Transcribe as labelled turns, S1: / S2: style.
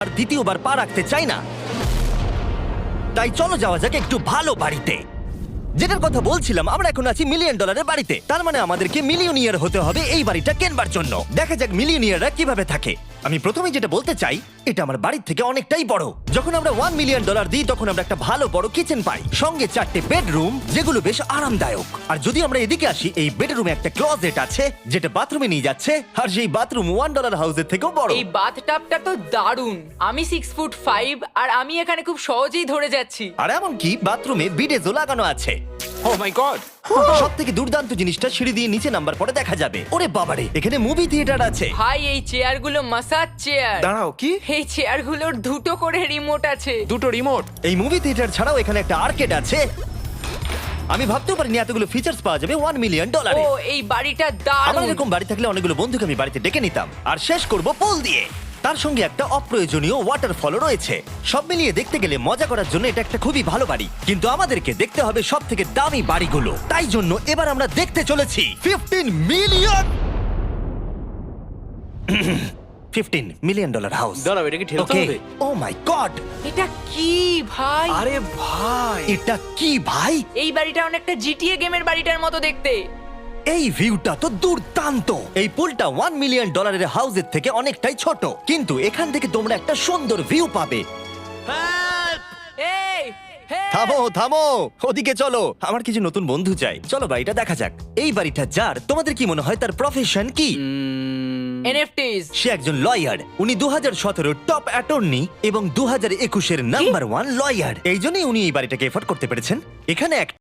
S1: আর দ্বিতীয়বার পা রাখতে চাই না। তাই চলো যাওয়া যাক একটু ভালো বাড়িতে। যেটার কথা বলছিলাম, আমরা এখন আছি $1 মিলিয়ন বাড়িতে। তার মানে আমাদেরকে মিলিয়নিয়ার হতে হবে এই বাড়িটা কেনবার জন্য। দেখা যাক মিলিয়নিয়াররা কিভাবে থাকে। আমি প্রথমে যেটা বলতে চাই, এটা আমার বাড়ির থেকে অনেকটাই বড়। যখন আমরা $1 মিলিয়ন দিই তখন আমরা একটা ভালো বড় কিচেন পাই, সঙ্গে 4টে বেডরুম যেগুলো বেশ আরামদায়ক। আর যদি আমরা এদিকে আসি, এই বেডরুমে একটা ক্লোজেট আছে যেটা বাথরুমে নিয়ে যাচ্ছে, আর সেই বাথরুম $1 হাউসের থেকেও বড়।
S2: এই বাথটাবটা তো দারুণ। আমি 6'5" আর আমি এখানে খুব সহজেই ধরে যাচ্ছি।
S1: আর এমনকি বাথরুমে বিডেজও লাগানো আছে।
S3: Oh my god!
S1: সব থেকে দুর্দান্ত জিনিসটা, সিঁড়ি দিয়ে নিচে নাম্বার পরে দেখা যাবে। ওরে বাবারে, এখানে মুভি থিয়েটার আছে।
S2: ভাই এই চেয়ারগুলো মাসাজ চেয়ার।
S3: দাঁড়াও, কি?
S2: এই চেয়ারগুলোর দুটো করে রিমোট আছে।
S3: দুটো রিমোট?
S1: এই মুভি থিয়েটার ছাড়াও এখানে একটা আর্কেড আছে। আমি ভাবতেও পারিনি এতগুলো ফিচার্স পাওয়া যাবে $1 মিলিয়ন।
S2: ও এই বাড়িটা
S1: আমার
S2: দারুণ।
S1: এরকম বাড়ি থাকলে অনেকগুলো বন্ধুকে আমি বাড়িতে ডেকে নিতাম। আর শেষ করব পুল দিয়ে। তার সঙ্গে একটা অপ্রয়োজনীয় ওয়াটারফলও রয়েছে। সব মিলিয়ে দেখতে গেলে মজা করার জন্য এটা একটা খুবই ভালো বাড়ি, কিন্তু আমাদেরকে দেখতে হবে সব থেকে দামি বাড়িগুলো। তাই জন্য এবার আমরা দেখতে চলেছি $15 মিলিয়ন $15 মিলিয়ন হাউস।
S3: দাঁড়াও, এটাকে ঠেলতে হবে?
S1: ও মাই গড,
S2: এটা কি ভাই?
S3: আরে ভাই!
S1: এটা কি ভাই?
S2: এই বাড়িটা অনেকটা জিটিএ গেমের বাড়িটার মতো দেখতে।
S1: এই ভিউটা তো দুর্দান্ত। এই পুলটা $1 মিলিয়ন হাউসের থেকে অনেকটাই ছোট, কিন্তু এখান থেকে তোমরা একটা সুন্দর ভিউ পাবে।
S2: এই হে
S1: থামো থামো, ওদিকে চলো। আমার কিছু নতুন বন্ধু চাই, চলো বাড়িটা দেখা যাক। এই বাড়িটা যার, তোমাদের কি মনে হয় তার প্রফেশন কি?
S2: এনএফটিস।
S1: সে একজন লয়ার। উনি 2017 টপ অ্যাটর্নি এবং 2021 নাম্বার 1 লয়ার। এই জন্যই উনি এই বাড়িটাকে এফোর্ড করতে পেরেছেন। এখানে এক